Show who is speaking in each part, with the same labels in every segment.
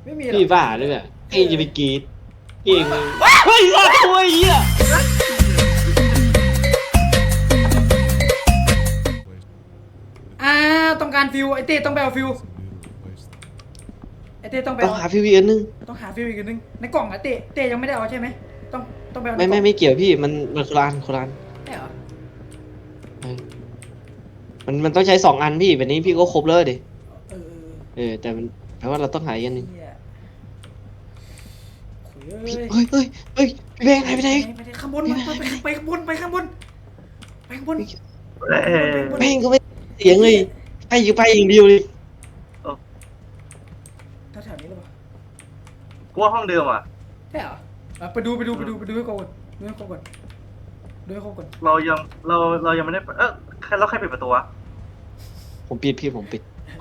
Speaker 1: ไม่มีหรอก
Speaker 2: พี่บ้าหรือเปล่าพี่จะไปกรีดเก่งเลยเฮ้ยรอดตัวไอ้เหี้ย
Speaker 1: ต้องการฟิวไอเต้ต้องไปเอาฟิวไอเต้ต้องไป
Speaker 2: ต้อ
Speaker 1: เอา
Speaker 2: งหาพี่วีอันนึง
Speaker 1: ต้องหาฟิวอีกอันนึงในกล่องอะเต้ยังไม่ได้เอาใช่ไหมต้องไปเอาใน
Speaker 2: ไม่
Speaker 1: กล่อง
Speaker 2: ไม่เกี่ยวพี่มันคนละอันคนละอัน
Speaker 1: ใช่เหรอ
Speaker 2: เออมันต้องใช้2 อันพี่แบบนี้พี่ก็ครบเลยดิ
Speaker 1: เออ
Speaker 2: แต่มันแปลว่าเราต้องหาอีกอันหนึง
Speaker 1: เหี้ยโอ้ย
Speaker 2: เฮ้ยพี่แบงค์หายไปไหน
Speaker 1: ไปข้างบนไปข้างบนไปข้างบนไปข้างบน
Speaker 2: แบงค์ก็ไม่เสียงเลยไปอย่างเดียวเลย
Speaker 1: แถวๆนี้หรือเปล่า
Speaker 3: กูว่าห้องเดิมอ่ะ
Speaker 1: ใช่เหรอไปดูให้ครบก่อนดูให้ครบก่อนดูให้ครบก่อน
Speaker 3: เรายังไม่ได้ใครปิดประตูวะ
Speaker 2: ผมปิดพี่ผมปิด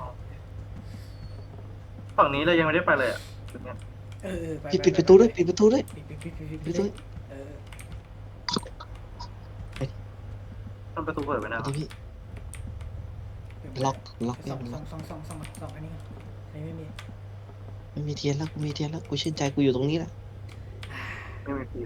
Speaker 3: ฝั่งนี้เรายังไม่ได้ไปเลยอ่ะ
Speaker 1: ไป
Speaker 2: พี่ปิดประตูด้วยปิดประตูด้วย
Speaker 1: ปิด
Speaker 3: มันประตูเปิดไปนะ
Speaker 2: ประตูพี่ล็อก
Speaker 1: สองอันนี้ไม่มี
Speaker 2: ไม่มีเทียนแล้วกูชื่นใจกูอยู่ตรงนี้แหละ
Speaker 3: ไม่มีฟิว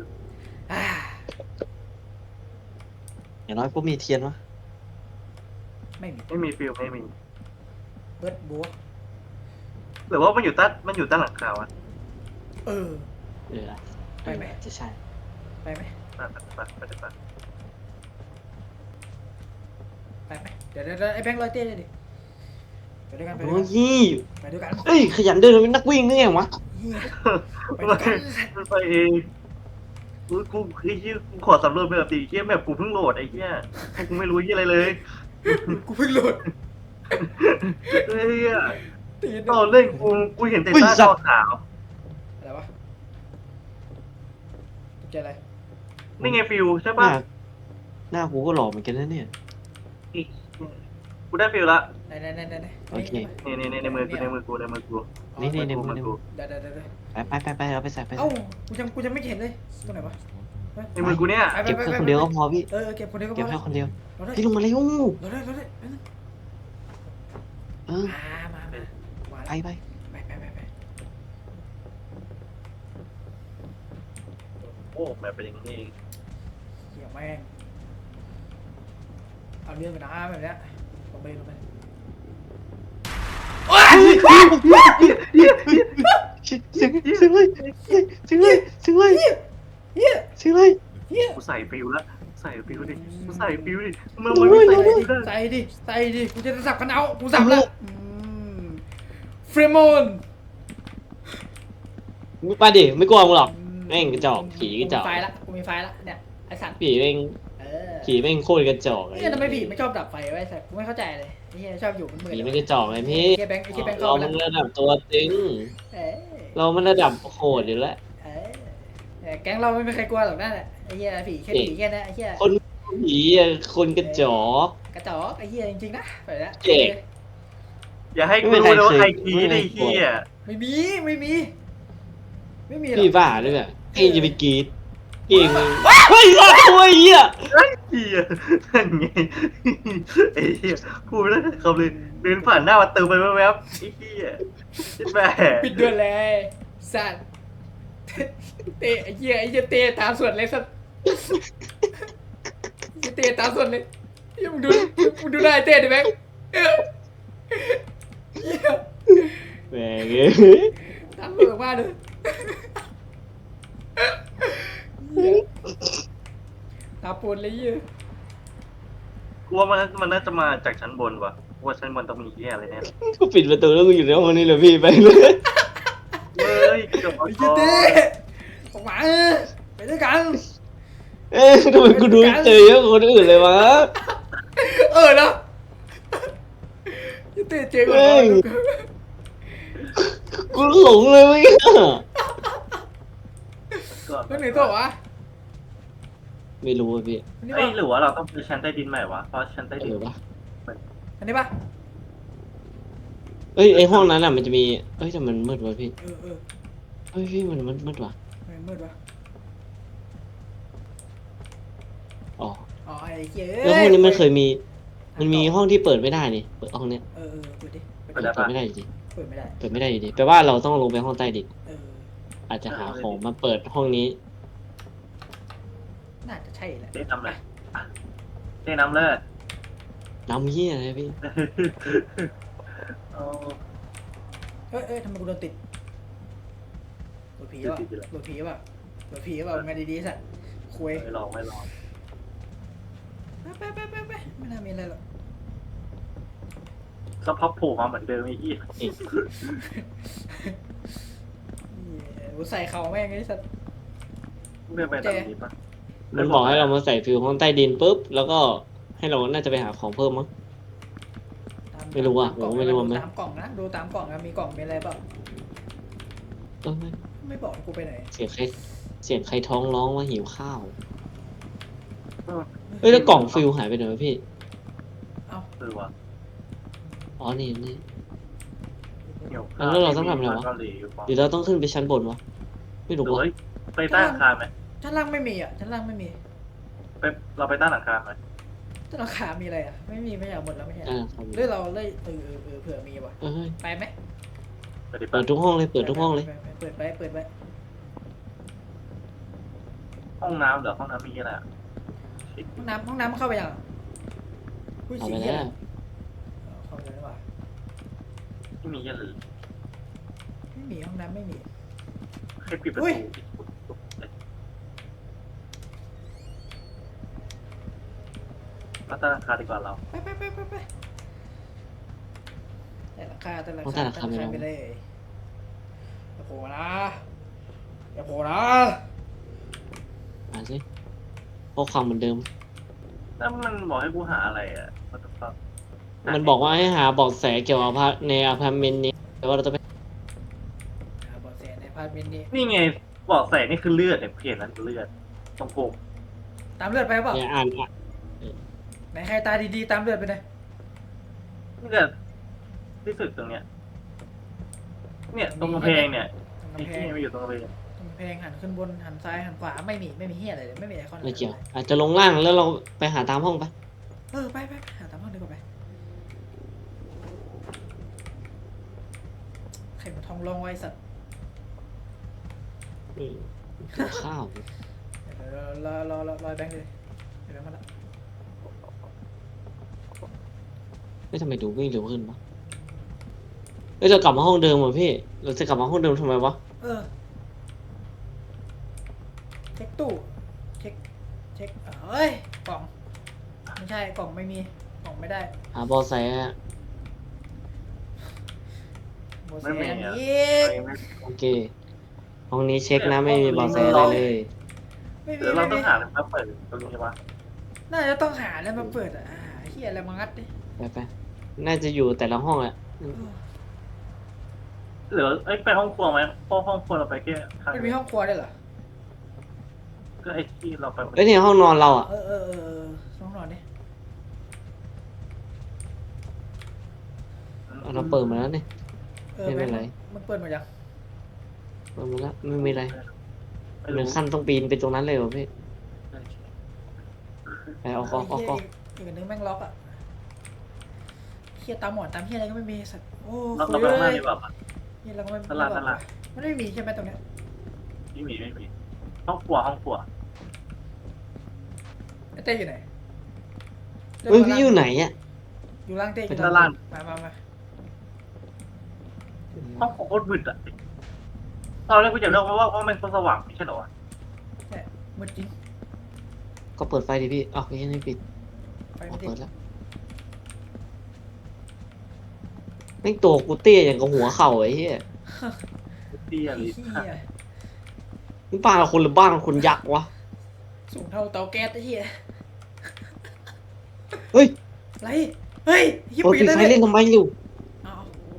Speaker 2: อย่างน้อยก็มีเทียนวะ
Speaker 1: ไม่มี
Speaker 3: ฟิวไม่มี
Speaker 1: เบิร์ดบัว
Speaker 3: หรือว่ามันอยู่ใต้หลังคาวะ
Speaker 1: เออ ไปไหม
Speaker 2: จะใช่
Speaker 1: ไปไหม เดี๋ยวไอ้แบงค์ร้อยเต้เลยดิไปด้วยกัน
Speaker 2: โอ้ย
Speaker 1: ไปด้วยกัน
Speaker 2: เอ้ยขยันเดินเป็นนักวิ่งนี่ไงวะ
Speaker 1: ไปด้วยกัน
Speaker 3: มันไปเองกูขอสำรวจแบบตีเกี้ยแบบกูเพิ่งโหลดไอ้เกี้ยกูไม่รู้ยี่อะไรเลย
Speaker 1: กูเพิ่งโหลด
Speaker 3: เฮ้ย
Speaker 1: ตีน
Speaker 3: ตอนเล่นกูเห็นแต่ใต้จอขาว
Speaker 1: อะไรวะตกใจอะไร
Speaker 3: นี่ไงฟิวใช่ป่ะ
Speaker 2: หน้ากูก็หล่อเหมือนกันนะเนี่ย
Speaker 3: กูได้ฟิลละ
Speaker 1: ไหน
Speaker 2: โอเค
Speaker 3: นี่ในมือกู
Speaker 2: นี่ในมือ
Speaker 1: เดี๋ยว
Speaker 2: ไปเอาไปใส่ไป
Speaker 1: เอ้ากูจะไม่เห็นเลยตรงไหนวะ
Speaker 3: ในมือกูเนี่ย
Speaker 2: เก็บแค่คนเดียวก็พอพี่
Speaker 1: เก็บคนเดียวก็พ
Speaker 2: เก็บ
Speaker 1: อ
Speaker 2: แค่คนเดียว
Speaker 1: เราได้
Speaker 2: พี่ลงมาเร็ว
Speaker 1: เราได้
Speaker 2: เออ
Speaker 1: มา
Speaker 2: ไป
Speaker 3: โอ้แบบเป็นอย่างนี้
Speaker 1: เกี่ยวแม่งเอาเรื่องไปนะแบบเนี้ยลงไป
Speaker 2: เสียงเลยเฮีย
Speaker 3: กูใส่ฟิลละใส่ฟิลดิกูใส่ฟิลดิมันไม่ใส่ฟิลได้
Speaker 1: ใส่ดิกูจะสับกันเอากูสับแล้วเฟรมอน
Speaker 2: ไปดิไม่กลัวมึงหรอกแม่งกระจอกผีกระจอก
Speaker 1: กูมีไฟละเนี่ยไอสัตว์
Speaker 2: ผีแม่งผีแม่งโคตรกระจอก
Speaker 1: เนี่ยทำไมผีไม่ชอบดับไฟไว้สัตว์กูไม่เข้าใจเลยไอ้เหี้ยชอบอยู่มันมืด
Speaker 2: ผีไม่กระจอกไงพี่
Speaker 1: ไอ้แบงค์เข้า
Speaker 2: เรา
Speaker 1: ไป
Speaker 2: มัน
Speaker 1: แล้ว
Speaker 2: ระดับตัวตึงเรามันระดับโหดอยู่แล้ว
Speaker 1: แก๊งเราไม่มีใครกลัวหรอกนั่นแหละไอ้เหี้ยผีแค่นี้ไอ้เหี้ย
Speaker 2: คนผีคนกระจอก
Speaker 1: กระจอกไอ้เหี้ยจริงๆนะไปแล้ว
Speaker 3: อย่าให้กูรู้เลยว่าใครคีไอ้เหี้ย
Speaker 1: ไม่มีหรอก
Speaker 2: พี่บ้าหรือเปล่าพี่จะไปกรีดเก่งเลยเฮ้ยรอดตัวไอ้เหี้ย
Speaker 3: เหี้ยนั่นไงไอ้เหี้ยพูดไม่ได้คำเลยเดินผ่านหน้ามาเติมไปแวบๆไอ้เหี้ยแม่
Speaker 1: ปิดเดือนเลยสัตว์เตะไอ้เหี้ยเตะตามส่วนเลยสัตว์เตะตามส่วนเลยมึงดูได้เตะดิแบงค์
Speaker 2: แหม่งเอ้ย
Speaker 1: ตามส่วนมากเลยตาปนเลยเหี้ย
Speaker 3: กูว่ามันน่าจะมาจากชั้นบนว่ะกูว่าชั้นบนต้องมีเหี้ยอะไรแน่
Speaker 2: กูปิดประตูแล้วกูอยู่ในห้องนี้เลยพี่ไปเลย
Speaker 3: เฮ้ยเดี๋ยว
Speaker 1: ไอ้เหี้ยเตะออกมาไปด้วยกัน
Speaker 2: เอ๊ะทำไมกูดูเจอเยอะกว่าคนอื่นเลยวะ
Speaker 1: เนาะเตะเจ๊ก่อน
Speaker 2: กูหลงเลยเว้ย
Speaker 1: แล้วไหนต่อวะ
Speaker 2: ไม่รู้อ่ะพี่
Speaker 1: อันนี้
Speaker 3: เอ้ย
Speaker 1: ปะ
Speaker 3: หรือว่าเราต้องไปชั้นใต้ดินใหม่วะเพราะชั้นใต้ดิน
Speaker 2: เออปะ
Speaker 1: อันนี้ปะ
Speaker 2: เอ้ยไอห้องนั้นอ่ะมันจะมีเอ้ยแต่มันมืดวะพี่
Speaker 1: เออ
Speaker 2: เฮ้ยพี่มันมืดวะ
Speaker 1: ไม่มืดวะ
Speaker 2: อ๋อ
Speaker 1: อ๋อไอ้เหี้ย
Speaker 2: แล้วห้องนี้มันเคยมี มันมีห้องที่เปิดไม่ได้นี่เปิดห้องเนี้ย
Speaker 1: เปิดดิ
Speaker 2: เปิดไม่ได้จริง
Speaker 1: เเปิดไม่ได้
Speaker 2: เปิดไม่ได้อยู่ดีแปลว่าเราต้องลงไปห้องใต้ดิน
Speaker 1: เออ
Speaker 2: อาจจะหาของมาเปิดห้องนี้
Speaker 1: น่าจะใช่แหละ
Speaker 3: เต้นน้ำเลยอ่ะเต้นน้ำเลิศ
Speaker 2: น้ำเหี้ยอะไรพี่
Speaker 3: เอา
Speaker 1: เอ้ยทำไมกูโดนติดโดนผีวะโดนผีวะโดนผีวะไงดีๆสัตว์คุย
Speaker 3: ไม่ลองไม่ลอง
Speaker 1: ไปไม่น่ามีอะไรหรอก
Speaker 3: สักพักโผล่มาเหมือนเดิมไอ้อี้
Speaker 1: กูใส่เข่าแม่งไอ้สัตว์
Speaker 3: เดินไปตรงนี้ปะ
Speaker 2: มันบอกให้เรามาใส่ฟิวห้องใต้ดินปุ๊บแล้วก็ให้เราน่าจะไปหาของเพิ่มมั้ง ไม่รู้อะ
Speaker 1: ตากล่อง
Speaker 2: ผมไม่รู้
Speaker 1: ดู
Speaker 2: มั้ย
Speaker 1: ตามกล่องนะดูตามกล่องนะมีกล่องมีอะไรเปล่า
Speaker 2: เออ
Speaker 1: ไม่บอกให้กูไปไหน
Speaker 2: เสียงใครท้องร้องว่าหิวข้าวเอ้ยแล้วกล่องฟิวหายไปไหนวะพี่
Speaker 1: เอ้า
Speaker 3: เออวะ
Speaker 2: อ๋อนี่
Speaker 3: เหี่ยว
Speaker 2: แล้วเราต้องทำอะไรวะ
Speaker 3: เกาหลีอยู่ปะ
Speaker 2: หรือเราต้องขึ้นไปชั้นบนวะไม่รู้
Speaker 3: หรือ
Speaker 2: วะ
Speaker 3: ว่าไปใต้หลังคาไหม
Speaker 1: ชั้นล่างไม่มีอ่ะชั้นล่างไม่มี
Speaker 3: ไปเราไปใต้หลังคาไหม
Speaker 1: ชั้นราคามีอะไรอ่ะไม่มีไม่อยากหมดแล้วไม่ใช่
Speaker 2: อ่าครับ
Speaker 1: หรือเราเลยเผื่อมีว่ะ
Speaker 2: เอ้ย
Speaker 1: ไปไหม
Speaker 3: ไปดิ
Speaker 2: เปิดทุกห้องเลยเปิดทุกห้องเลย
Speaker 1: เปิดไป
Speaker 3: ห้องน้ำเหรอห้องน้ำมีอะไรอ่ะ
Speaker 1: ห้องน้ำมันเข้าไปยังอุ้ย
Speaker 2: เอา
Speaker 1: สี
Speaker 2: ไป
Speaker 1: เหี้ย
Speaker 2: แล้ว
Speaker 1: เข้าไปแล้วว่ะ
Speaker 3: ที่มีเยอะเลย
Speaker 1: ไม่มีห้องน้ำไม่มี
Speaker 3: ให้ปิดประ
Speaker 1: อุ้
Speaker 3: ตู
Speaker 1: ย
Speaker 3: มาใต้หลังคาดีกว่าเรา
Speaker 1: ไปแต่ราคา
Speaker 2: ห้องใต้หลังคาไม่รู้
Speaker 1: ไปเลยอย่าโผล่นะอย่าโผล่นะ
Speaker 2: อ่านสิข้อความเหมือนเดิม
Speaker 3: แล้วมันบอกให้กูหาอะไรอ่ะมันต้อง
Speaker 2: มันบอกว่าให้หาเบอกแสเกี่ยวกับในอพาร์ตเมนต์นี้แต่ว่าเราจะไป
Speaker 1: หาเบาะแสในพาร์ทเมนต์นี้
Speaker 3: นี่ไงบอกใส่นี่คือเลือดเนี่ยเพจนั้นเลือดตรงโกง
Speaker 1: ตามเลือดไปเปล่า
Speaker 2: เนี่ยอ่าน
Speaker 1: ไหนใครตาดีๆตามเลือดไปเลย
Speaker 3: เลือดที่สุดตรงเนี้ยเนี่ยตรงกำแพงเนี่ย
Speaker 1: ตรง
Speaker 3: ไอ้
Speaker 1: กำแพ
Speaker 3: ที่
Speaker 1: ง
Speaker 3: มันอยู่ตรงกำแพง
Speaker 1: ตรงกำแพงหันขึ้นบนหันซ้ายหันขวาไม่มีเหี้ยอะไรเลยไม่มีไอคอน
Speaker 2: ไม่เกี่ยว อาจจะลงล่างแล้วเราไปหาตามห้องไป
Speaker 1: ไปหาตามห้องดีกว่าไปใครมาทองลงไว้สัตว์
Speaker 2: กินข้าว
Speaker 1: เดี๋ยวรอแบงค์เลยแบงค์มาละ
Speaker 2: ไม่ทำไมดูวิ่งเร็วขึ้นวะเอ้ยจะกลับมาห้องเดิมเหรอพี่เราจะกลับมาห้องเดิมทำไมวะ
Speaker 1: เช็คตู้เช็คเอ้ยกล่องไม่ใช่กล่องไม่มีกล่องไม่ได้
Speaker 2: หาเบอแสอะ
Speaker 1: โมเส
Speaker 3: ไม่มี
Speaker 1: อัน
Speaker 3: อ่ะ
Speaker 1: นี้
Speaker 2: โอเคห้องนี้เช็คนะไม่มีเบอแสอะไรเลย
Speaker 1: ไม่มี
Speaker 3: เดี๋ยวเราต้องหาอะไรมาเปิดตรงนี้วะ
Speaker 1: น่าจะต้องหาแล้วมาเปิดเฮียอะไรมางัดดิ
Speaker 2: ไปน่าจะอยู่แต่ละห้องแหละ
Speaker 3: หรือไปห้องครัวไหมเพราะห้องครัวเราไปแค่ข้าง
Speaker 1: มันมีห้องครัวด้วยเหรอ
Speaker 3: ก็ไอ้ที่เราไป
Speaker 2: เอ้ยเนี่ยห้องนอนเราอ่ะ
Speaker 1: ห้องนอนดิ
Speaker 2: เราเปิดมาแล้วเนี่ย ไม่เป็นไร
Speaker 1: มันเปิดหมดยัง
Speaker 2: เปิดมาแล้วไม่มีอะไร
Speaker 3: ไม่
Speaker 2: หนึ่
Speaker 3: รู้
Speaker 2: งขั้นต้องปีนไปตรงนั้นเลยเหรอพี่ไปเอา
Speaker 1: อีกอันนึงแม่งล็อกอ่ะเฮียตามหมอนตามเฮียอะไรก็ไม่มีสัตว์โอ้
Speaker 3: เราไปข้างหน้าดีกว่าปะ
Speaker 1: เฮียเราก็ไม่
Speaker 3: ตลาด
Speaker 1: มันไม่มีใช่ไหมตรงเนี้ย
Speaker 3: ไม่มีห้องครัว
Speaker 1: ไอ้เต้อยู่ไหน
Speaker 2: เฮ้ยพี่อยู่ไหนอ่ะ
Speaker 1: อยู่ล่างเต้อยู่
Speaker 3: ด้านล่าง
Speaker 1: มา
Speaker 3: ห้องโคตรมืดอ่ะตอนแรกกูจะเล่าว่ามันสว่างไม่ใช่เหรอวะ
Speaker 1: เนี่ยมืดจริง
Speaker 2: ก็เปิดไฟดิพี่อ้าวพี่ยังไม่ปิด
Speaker 1: ไป
Speaker 2: อ๋อ
Speaker 1: ไม่ติ
Speaker 2: เปิ
Speaker 1: ด
Speaker 2: ดแล้วแม่งตัวกูเตี้ยอย่างกับหัวเข่าไอ้เหี้ย
Speaker 3: เตี้ยเลย
Speaker 1: เฮีย
Speaker 2: นี่บ้านเราคนหรือบ้านคนยักษ์วะ
Speaker 1: สูงเท่าเตาแก๊สไอ้เฮีย
Speaker 2: เฮ้ย
Speaker 1: ไรเฮ้ยเฮีย
Speaker 2: เปิด
Speaker 1: ปิด
Speaker 2: ปิด
Speaker 1: แล้ว
Speaker 2: ไฟ
Speaker 1: เนี่ย
Speaker 2: เล่นทำไมอยู่
Speaker 1: เอา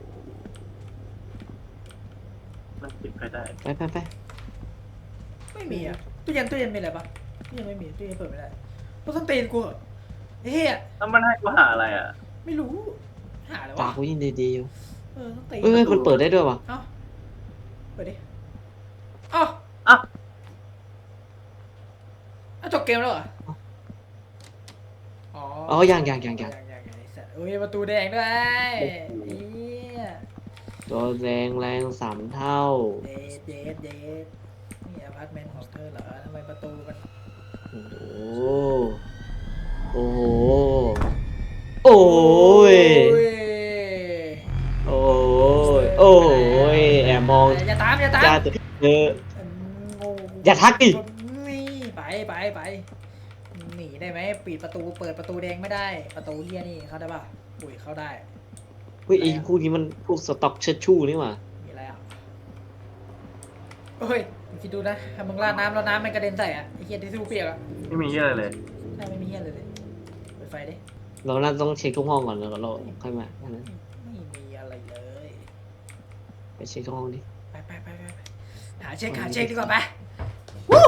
Speaker 3: มันปิดไปได้
Speaker 2: ไป
Speaker 1: ไม่มีอ่ะตู้เย็นมีอะไรปะตู้เย็นไม่มีตู้เย็นเปิดไม่ได้ต้องส้นตีนกูเหรอไอ้เฮีย
Speaker 3: แล้วมันให้กูหาอะไรอ่ะ
Speaker 1: ไม่รู้หาอะไร
Speaker 2: ปาว
Speaker 1: ะ
Speaker 2: กกูยิ่งดีๆอยู่
Speaker 1: ต้องตีน
Speaker 2: เอ้ยมันเปิดได้ด้วยวะ
Speaker 1: เอ้าเปิดดิเอ้า
Speaker 3: อ่ะ
Speaker 1: จบเกมแล้วเหรออ๋อ
Speaker 2: อ๋อยัง
Speaker 1: ไอ้สัตว์โอ้ยประตูแดงด้วยเฮีย
Speaker 2: ตัวแรง3 เท่า
Speaker 1: เดทนี่อพาร์ตเมนต์ของเธอเหรอทำไมประตูมัน
Speaker 2: โอ้โหโอ้โหโอ้ยโอ้ยโอ้ยแอบมอง
Speaker 1: อย่าตาม
Speaker 2: จะเออ
Speaker 1: งู
Speaker 2: อย่าทักดิ
Speaker 1: นี่ไปหนีได้ไหมปิดประตูเปิดประตูแดงไม่ได้ประตูเฮียนี่เข้าได้ป่ะอุ้ยเข้าได้
Speaker 2: เฮ้ยไอ้พวกนี้มันพวกสต็อกเชิดชู่นี่หว่า
Speaker 1: มีอะไรอ่ะเฮ้ยคิดดูนะถ้ามึงราดน้ำแล้วน้ำมันกระเด็นใส่อ่ะไอ้เฮียที่ทูเปียกอ่ะ
Speaker 3: ไม่มีเหี้ยอะไรเลย
Speaker 1: ใช่ไม่มีเฮียเลยเปิดไฟดิ
Speaker 2: เราน่าต้องเช็คทุกห้องก่อนแล้วก็เราค่อยมาแค่นั้น
Speaker 1: ไม่มีอะไรเลย
Speaker 2: ไปเช็คทุกห้องดิ
Speaker 1: ไปหาเช็คดีกว่าไปวู้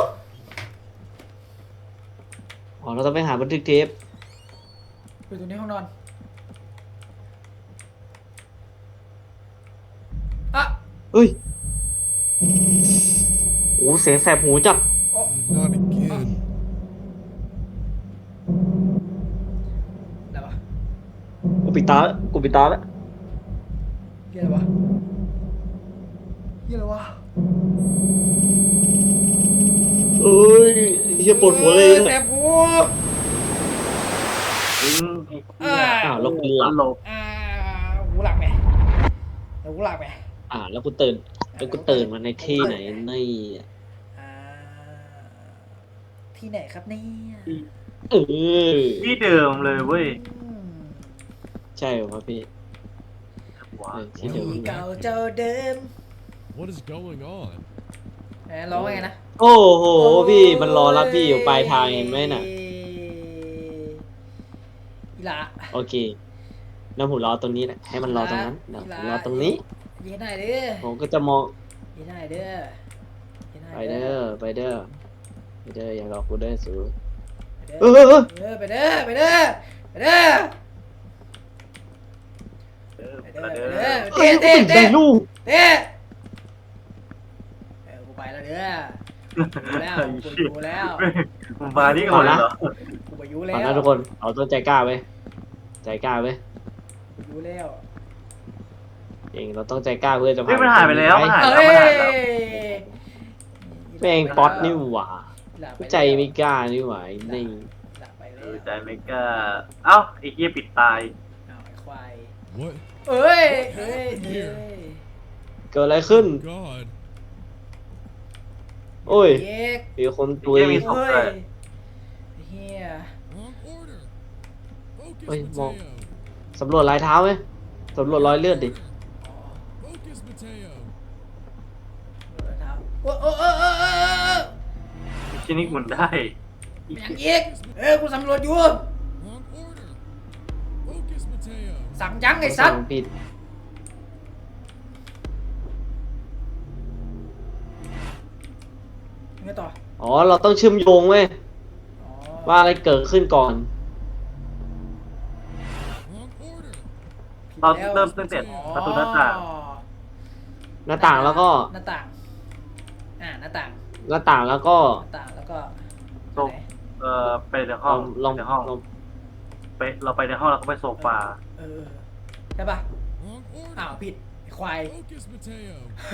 Speaker 2: อ๋อเราต้องไปหาบันทึกเทป
Speaker 1: อยู่ตรงนี้ห้องนอนอ่ะ
Speaker 2: เฮ้ยโอ้เสียงแสบหูจัด
Speaker 1: โอ้
Speaker 4: He's not a kid.
Speaker 1: อะไรวะ
Speaker 2: กูปิดตาแล้วกูปิดตาแล้ว
Speaker 1: เฮียอะไรวะเฮียอะไรวะ
Speaker 2: เอ้ยเฮียปวดหัวเลย
Speaker 1: แสบหู
Speaker 2: อ้าวแล้วกูหลับ
Speaker 3: หลบ
Speaker 1: หูหลักไหมหูหลักไหม
Speaker 2: แล้วกูตื่นมาในที่ไหนนี่
Speaker 1: อ่าที่ไหนครับเนี่ย
Speaker 2: เออ
Speaker 3: ที่เดิมเลยเว้ย
Speaker 1: อืม
Speaker 2: ใช่เหรอครับพี่
Speaker 3: ว้า
Speaker 2: ที่เดิม
Speaker 1: ที่เก่าเจ้าเดิม
Speaker 4: What is going on?
Speaker 1: ร้องไงนะ
Speaker 2: โอ้โหพี่มันรอรับพี่อยู่ปลายทางเห็นไหมน่ะ
Speaker 1: อีหละ
Speaker 2: โอเคแล้วผมรอตรงนี้แหละให้มันรอตรงนั้นเดี๋ยวผมรอตรงนี้
Speaker 1: ยีได้เด้อ
Speaker 2: ผมก็จะมอง
Speaker 1: ยีได้เด้อยีได้
Speaker 2: ไปเด้อไปเด้อไปเด้ออย่าหลอกกูเด้อสู
Speaker 1: เออไปเด้อไปเด้อไปเด้อ
Speaker 3: เดิม
Speaker 1: ไปเด้อ
Speaker 3: เดิม
Speaker 2: เฮ้ยกูปิดได้ลูก
Speaker 1: เด้กูไปแล้วเด้อกูแล้วกูอยู่แล้ว
Speaker 3: มึงมาที่ก่อนเลยเหรอ
Speaker 1: กูไปอยู่แล้
Speaker 2: เอา
Speaker 1: ว
Speaker 2: นะทุกคนเอาต้นใจกล้าไปใจกล้าไป
Speaker 1: กูอยู่แล้ว
Speaker 2: เองเราต้องใจกล้าเพื่อจะ
Speaker 3: เฮ้ยมันหายไปแล้วมันหาย
Speaker 1: เอ้ย
Speaker 2: แม่งป๊อตนี่หว่า
Speaker 1: หลับไป
Speaker 2: ใจไม่กล้านี่หว่าไอ้นี่
Speaker 1: หลับไป
Speaker 3: เอ
Speaker 1: แล้ว
Speaker 3: อใจไม่กล้าเอ้าไอ้เหี้ยปิดตาย
Speaker 1: อ้าวไอ้ควาย
Speaker 4: What?
Speaker 1: เอ้ย
Speaker 2: เกิดอะไรขึ้น
Speaker 4: God.
Speaker 2: โอ้ย
Speaker 1: เย็ก
Speaker 2: มีคนตุย
Speaker 3: เหี้ยมีศพ
Speaker 1: เฮ้
Speaker 3: ด้วย
Speaker 1: ยเฮีย
Speaker 4: Wrong order. Focus,
Speaker 2: Wait,
Speaker 4: Mateo.
Speaker 2: มอง สำรวจรอยเท้าไหมสำรวจรอยเลือดดิ
Speaker 1: อ๋อ
Speaker 4: Focus, Mateo.
Speaker 1: รองเท้าโอ้
Speaker 3: ชินิกหมุนได้
Speaker 1: อย่างเย็กกูสำรวจอยู่
Speaker 4: Wrong order. Focus, Mateo.
Speaker 1: สั่งยังไอ้สัตว์
Speaker 2: สั่งผิด
Speaker 1: ไงต่อ
Speaker 2: อ๋อเราต้องเชื่อมโยงเว้ย
Speaker 1: อ๋อ
Speaker 2: ว่าอะไรเกิดขึ้นก่อน
Speaker 4: Wrong order.
Speaker 3: เราเริ่มตั้งแต่ประตูหน้าต่าง
Speaker 2: หน้าต่างแล้วก็
Speaker 1: หน้าต่างหน้าต่าง
Speaker 2: หน้าต่างแล้วก็
Speaker 1: หน้าต่างแล้วก็
Speaker 3: โซฟไปในห้อง
Speaker 2: ลอง
Speaker 3: ในห้อง
Speaker 2: ลอง
Speaker 3: ไปเราไปในห้องแล้วก็ไปโซฟา
Speaker 1: ใช่ป่ะ
Speaker 4: Wrong order.
Speaker 1: อ้าวผิดไอ้ควาย
Speaker 4: Focus, Mateo.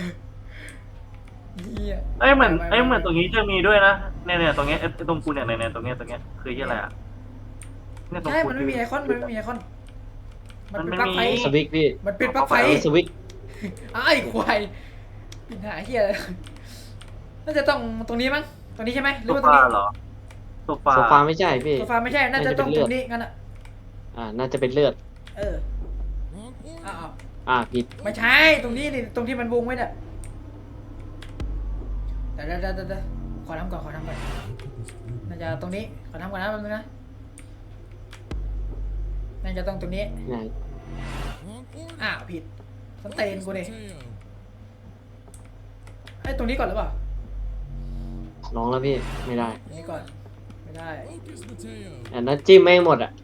Speaker 1: เหี้ย
Speaker 3: เหมือนตรงนี้จะมีด้วยนะเนี่ยตรงเนี้ยไอ้ตรงกูเนี่ยเนี่ยตรงเนี้ยคือที่อะไรอ่ะเนี่ยตรง
Speaker 1: ใช่
Speaker 3: กู
Speaker 1: มันไม่มีไอคอนมันไม่มีไอคอนมันเป็นปลั๊กไฟ
Speaker 2: สวิกพี่
Speaker 1: มันเป็นปลั๊กไฟ
Speaker 2: สวิก
Speaker 1: อ้าวไอ้ควายปัญหาเฮียอะไรน่าจะต้องตรงนี้มั้งตรงนี้ใช่ไหมห
Speaker 3: โซ
Speaker 1: รือว่าตรง
Speaker 3: ฟา
Speaker 1: นี้
Speaker 3: เหรอโซฟา
Speaker 2: โซฟาไม่ใช่พี่
Speaker 1: โซฟาไม่ใช่น่าจะต้องตรงนี้งั้นอ่ะ
Speaker 2: น่าจะเป็นเลือด
Speaker 4: Wrong order.
Speaker 1: อ้าว
Speaker 2: ผิด
Speaker 1: ไม่ใช่ตรงนี้นี่ตรงที่มันวงไว้เนี่ยเดี๋ยวขอทำก่อนน่าจะตรงนี้ขอทำก่อนนะแป๊บนึงนะน่าจะต้องตรงนี้
Speaker 2: ไหน
Speaker 4: Wrong order.
Speaker 1: อ้าวผิดสเตน
Speaker 4: Focus,
Speaker 1: กูดิ
Speaker 4: Mateo.
Speaker 1: ไอ้ตรงนี้ก่อนหรือเปล่า
Speaker 2: ลองแล้วพี่ไม่ได้
Speaker 1: ตรงนี้ก่อนไม่ได้
Speaker 4: Focus, Mateo.
Speaker 2: อันนั้นจิ้มไม่หมดอ่ะ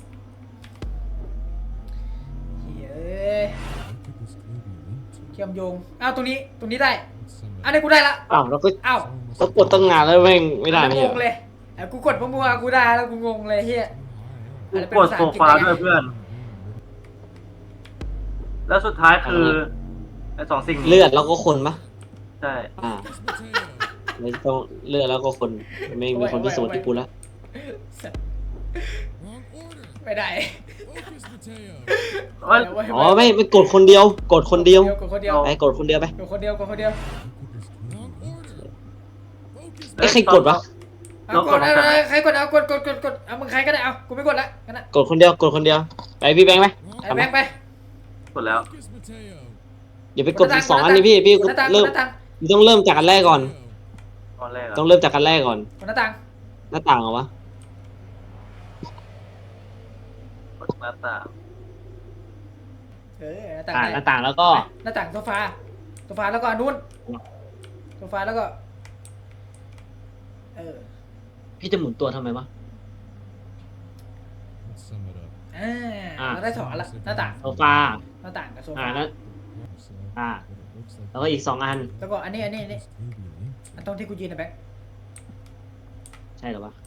Speaker 1: เฮ้ย
Speaker 4: What could this clue be linked to?
Speaker 1: เชื่อมโยงอ้าวตรงนี้ได้
Speaker 4: It's some
Speaker 1: อันนี้กูได้ละ
Speaker 2: อ้าวเราก็
Speaker 1: อ้าว
Speaker 4: someone must
Speaker 2: ต้อง
Speaker 4: have
Speaker 2: กดตั้งงานแล้วแม่งไม่ได้
Speaker 1: อัน
Speaker 2: ไม่
Speaker 1: นี้
Speaker 2: ใช่
Speaker 1: ง
Speaker 2: เหรง อ
Speaker 1: เลยกูกดเพราะมัวกูได้แล้วกูงงเลยเฮีย
Speaker 4: too high up.
Speaker 3: กูกดโซฟาด้วยเพื่อน แล้วสุดท้ายคือไอ้สองสิ่งนี้
Speaker 2: เลือดแล้วก็คนปะ
Speaker 3: ใช่
Speaker 2: อ่า
Speaker 4: Focus potato.
Speaker 2: ไม่ต้องเลือดแล้วก็คนไม่มีคนพิสูจน์ที่กูละ
Speaker 4: Wrong order.
Speaker 1: ไม่ได้
Speaker 4: Focus potato.
Speaker 3: ว่า
Speaker 2: อ๋อไม่กดคนเดียว กดคนเดียว
Speaker 1: กดคนเดียว
Speaker 2: ไปกดคนเดียวไป
Speaker 1: กดคนเดียวกดคนเดียว
Speaker 4: Wrong order. Focus
Speaker 2: ไอ้ใครกดวะ
Speaker 1: เอากดเอาใครกดเอากดเอามึงใครก็ได้เอากูไม่กดละกันนะ
Speaker 2: กดคนเดียวกดคนเดียวไปพี่แบงค์ไป
Speaker 1: ไอ้แบงค์ไป
Speaker 3: กดแล้ว
Speaker 4: Focus potato.
Speaker 2: อย่าไปกดอีก2 อันเลยพี่
Speaker 1: กดหน้าต่าง
Speaker 2: เริ่ม
Speaker 1: กดหน้าต่าง
Speaker 2: ต้องเริ่มจากอันแรกก่อน
Speaker 3: ตอนแรกอะ
Speaker 2: ต้องเริ่มจากอันแรกก่อน
Speaker 1: กดหน้าต่าง
Speaker 2: หน้าต่างเหรอวะ
Speaker 3: กดหน้าต่าง
Speaker 1: หน้า
Speaker 2: หน้า
Speaker 1: ต่าง
Speaker 2: ต่างแล้วก็
Speaker 1: หน้าต่างโซฟาแล้วก็นู่นโซฟาแล้วก็
Speaker 2: พี่จะหมุนตัวทำไมวะ
Speaker 4: Let's sum it up.
Speaker 1: เราได้สองละหน้าต่าง
Speaker 2: โซฟา
Speaker 1: หน้าต่างกับโซ
Speaker 2: อ่า
Speaker 1: ฟา
Speaker 2: แล้ว
Speaker 4: So,
Speaker 2: Ah.
Speaker 4: but it looks like
Speaker 2: แล้วก็อีก2 อัน
Speaker 1: แล้วก็อันนี้
Speaker 4: this could be linked
Speaker 1: อันตรงที่กูยืนนะแบงค์
Speaker 2: ใช่เหรอวะ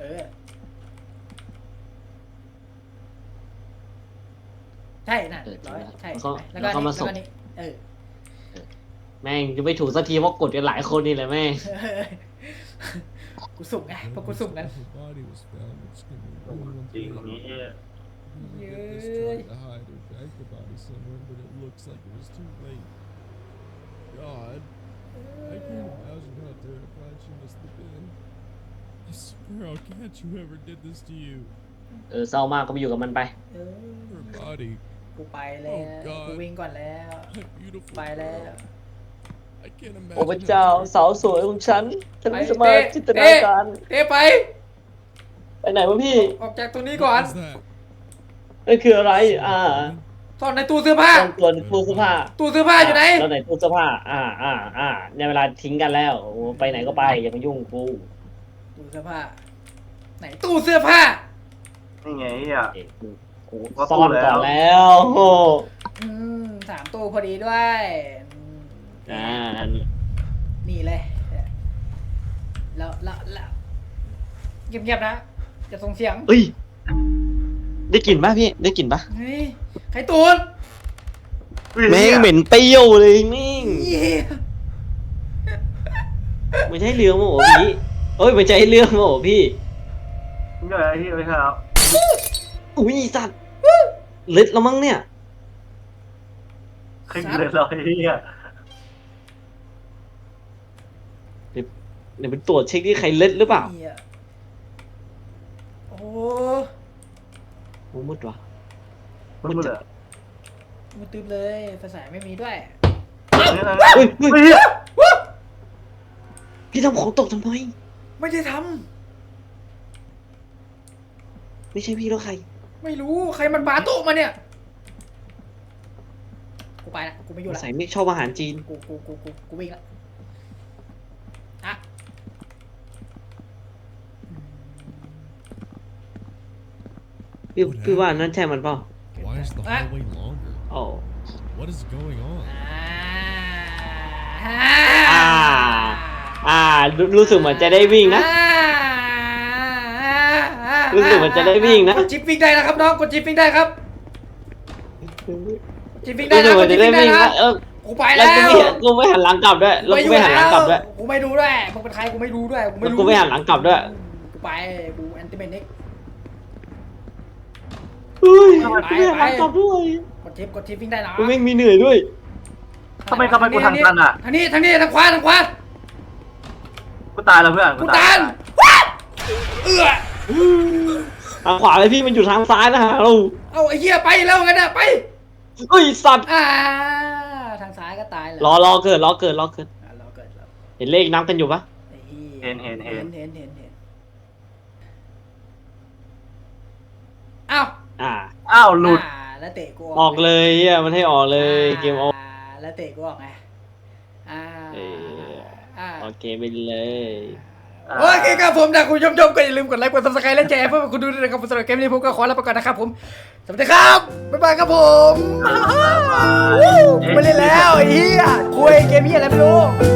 Speaker 1: ใช่น่ะร้อยใช่แล้วก็นี่
Speaker 2: แม่งจะไม่ถูกสักทีเพราะกดกันหลายคนนี่แหละแม่ง
Speaker 1: กูสุ่มไงเพราะกูสุ่มนั้น
Speaker 4: Her body was found, which can be really
Speaker 3: จริง
Speaker 4: unfair.
Speaker 3: นี้
Speaker 4: Maybe they just tried to hide or drag the body somewhere, but it looks like it was too late. God, I can't imagine how terrified she must have been. I swear, how can't you ever did this to you?
Speaker 2: เศร้ามากก็ไปอยู่กับมันไป
Speaker 4: Her body,
Speaker 1: กูไปแล้วกูวิ่งก่อนแล้ว
Speaker 4: that beautiful
Speaker 1: ไปแล้ว
Speaker 4: girl. I can't imagine.
Speaker 2: โอ้พระเจ้าสาวสวยของฉันไม่สามารถจินตนาการ
Speaker 1: เต้ไป
Speaker 2: ไปไหนวะพี่
Speaker 1: ออกจากตรงนี้ก่อน
Speaker 4: What was that?
Speaker 2: นั่นคืออะไร
Speaker 1: ซ่อนในตู้เสื้อผ้า
Speaker 2: ต้องตัวตู้เสื้อผ้า
Speaker 1: ตู้เสื้อผ้าอยู่ไหน
Speaker 2: แล้วไหนตู้เสื้อผ้าในเวลาทิ้งกันแล้วโอ้ไปไหนก็ไปอย่ามายุ่งกู
Speaker 1: ตู้เสื้อผ้า ไหนตู้เสื้อผ้า
Speaker 3: นี่ไงอ่ะ
Speaker 2: เอ๊ะกูซ่อนก่อนแล้ว
Speaker 1: 3 ตู้พอดีด้วยนี่เลยแล้วเงียบๆนะจะส่งเสียง
Speaker 2: เอ้ยได้กลิ่นป่ะพี่ได้กลิ่นป่ะ
Speaker 1: เฮ้ยใครตูน
Speaker 2: แม่งเหม็นเปรี้ยวเลยแม่งไม่ใช่เรื่องมั้งโอ้พี่เอ้ยไม่ใช่เรื่องมั้งโอ้พี่
Speaker 3: นี่อะไรที่ไม่ใช่แล้ว
Speaker 2: อุ้ยสัตว์เล็ดแล้วมั้งเนี่ย
Speaker 3: ขึ้นเลยเราไอ้เหี้ย
Speaker 2: เดี๋ยวไปตรวจเช็คที่ใครเล็ดหรือเปล่า
Speaker 1: โอ้
Speaker 2: โอ้มืดว่ะ
Speaker 3: มันเหลือ
Speaker 1: มือตึ๊บเลยภาษาไม่มีด้วย
Speaker 3: นี่อะไร
Speaker 2: เฮ้ย
Speaker 3: เฮ้ย
Speaker 2: พี่ทำของตกทำไม
Speaker 1: ไม่ได้ท
Speaker 2: ไม่ใช่พี่แล้วใคร
Speaker 1: ำไม่รู้ใครมันปาโต๊ะมาเนี่ยกูไปละกูไม่อยู่ละ
Speaker 2: ใส่ไม่ชอบอาหารจีน
Speaker 1: กูวิ่งละอ่ะ
Speaker 2: พี่ว่านั่นใช่มันเปล่า
Speaker 4: Why is the hallway longer?
Speaker 2: โอ้
Speaker 4: What is going on?
Speaker 2: รู้สึกเหมือนจะได้วิ่งนะ รู้สึกเหมือนจะได้วิ่งนะ
Speaker 1: กดจิ๊บวิ่งได้นะครับน้องกดจิ๊บวิ่งได้ครับจิ๊บวิ่งได้
Speaker 2: รู้สึ
Speaker 1: นะ
Speaker 2: กเห
Speaker 1: ก
Speaker 2: มือ
Speaker 1: ด
Speaker 2: น
Speaker 1: จิ๊
Speaker 2: จะ
Speaker 1: บ
Speaker 2: ได้
Speaker 1: วิ่งได้
Speaker 2: วิ่ง
Speaker 1: นะ
Speaker 2: นะ
Speaker 1: กูไป
Speaker 2: แล้
Speaker 1: แล้ว ว
Speaker 2: กูไม่หันหลังกลับด้วยแล้วกูไม่หันหลังกลับด้วย
Speaker 1: กูไม่ดูด้วยมึงเป็นใครกูไม่รู้ด้วยกูไม่
Speaker 2: แล้ว
Speaker 1: รู้
Speaker 2: กูไม่หันหลังกลับด้วย
Speaker 1: กูไปกูแอนติเมนิก
Speaker 2: เฮ้ยกูไม่หันหลังกลับด้วย
Speaker 1: กดจิ๊บวิ่งได้นะ
Speaker 2: กูแม่งมีเหนื่อยด้วย
Speaker 3: ทำไมกูทางตันอ่ะ
Speaker 1: ทางนี้ทางขวา
Speaker 3: กูตายแล้วเพื่อน
Speaker 1: กูตันว้าเอื้อ
Speaker 2: ทางขวาเลยพี่มันอยู่ทางซ้ายนะฮะเรา
Speaker 1: เอาไอ้เหี้ยไปแล้วงั้นนะไป
Speaker 2: เฮ้ยสัตว์
Speaker 1: ทางซ้ายก็ตายเลย
Speaker 2: รอเกิด
Speaker 1: รอเกิดแล้ว
Speaker 2: เห็นเลขนับกันอยู่ปะ
Speaker 1: เห็นอ้าว
Speaker 3: อ้าวหลุด
Speaker 1: แล้วเตะกู
Speaker 2: ออกเลยเฮียมันให้ออกเลยเกมออก
Speaker 1: แล้วเตะกูออกไง
Speaker 2: โอเคไปเลย
Speaker 1: โอเคครับผมถ้าคุณชมก็อย่าลืมกดไลค์กด subscribe และแชร์เพื่อคุณดูด้วยนะครับสำหรับเกมนี้ผมก็ขอลาไปก่อนนะครับผมสวัสดีครับบ๊ายบายครับผมไม่เล่นแล้วไอ้เหี้ยคุยเกมเหี้ยอะไรไม่รู้